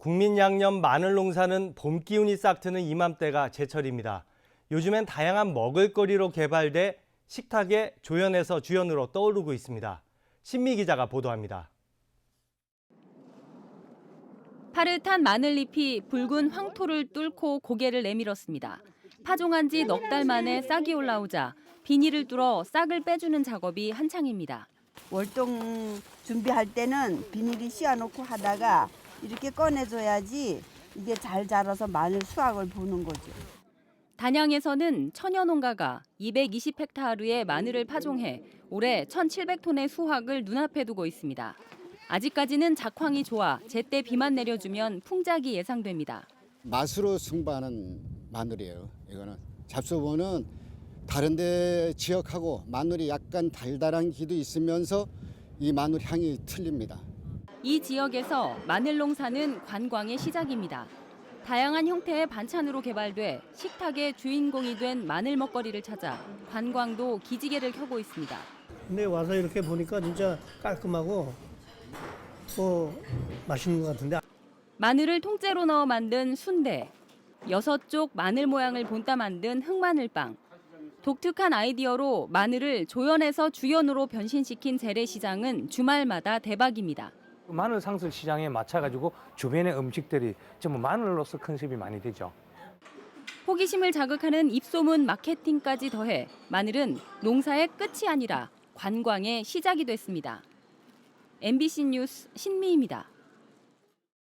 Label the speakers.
Speaker 1: 국민 양념 마늘 농사는 봄 기운이 싹 트는 이맘때가 제철입니다. 요즘엔 다양한 먹을거리로 개발돼 식탁의 조연에서 주연으로 떠오르고 있습니다. 신미 기자가 보도합니다.
Speaker 2: 파릇한 마늘잎이 붉은 황토를 뚫고 고개를 내밀었습니다. 파종한 지 넉 달 만에 싹이 올라오자 비닐을 뚫어 싹을 빼주는 작업이 한창입니다.
Speaker 3: 월동 준비할 때는 비닐이 씌워놓고 하다가 이렇게 꺼내줘야지 이게 잘 자라서 마늘 수확을 보는 거죠.
Speaker 2: 단양에서는 천여 농가가 220헥타르의 마늘을 파종해 올해 1,700톤의 수확을 눈앞에 두고 있습니다. 아직까지는 작황이 좋아 제때 비만 내려주면 풍작이 예상됩니다.
Speaker 4: 맛으로 승부하는 마늘이에요. 이거는 잡수보는 다른 데 지역하고 마늘이 약간 달달한 기도 있으면서 이 마늘 향이 틀립니다.
Speaker 2: 이 지역에서 마늘 농사는 관광의 시작입니다. 다양한 형태의 반찬으로 개발돼 식탁의 주인공이 된 마늘 먹거리를 찾아 관광도 기지개를 켜고 있습니다.
Speaker 5: 근데 와서 이렇게 보니까 진짜 깔끔하고 맛있는 것 같은데.
Speaker 2: 마늘을 통째로 넣어 만든 순대, 6쪽 마늘 모양을 본따 만든 흑마늘빵, 독특한 아이디어로 마늘을 조연에서 주연으로 변신시킨 재래시장은 주말마다 대박입니다.
Speaker 6: 마늘 상술 시장에 맞춰가지고 주변의 음식들이 전부 마늘로서 컨셉이 많이 되죠.
Speaker 2: 호기심을 자극하는 입소문 마케팅까지 더해 마늘은 농사의 끝이 아니라 관광의 시작이 됐습니다. MBC 뉴스 신미입니다.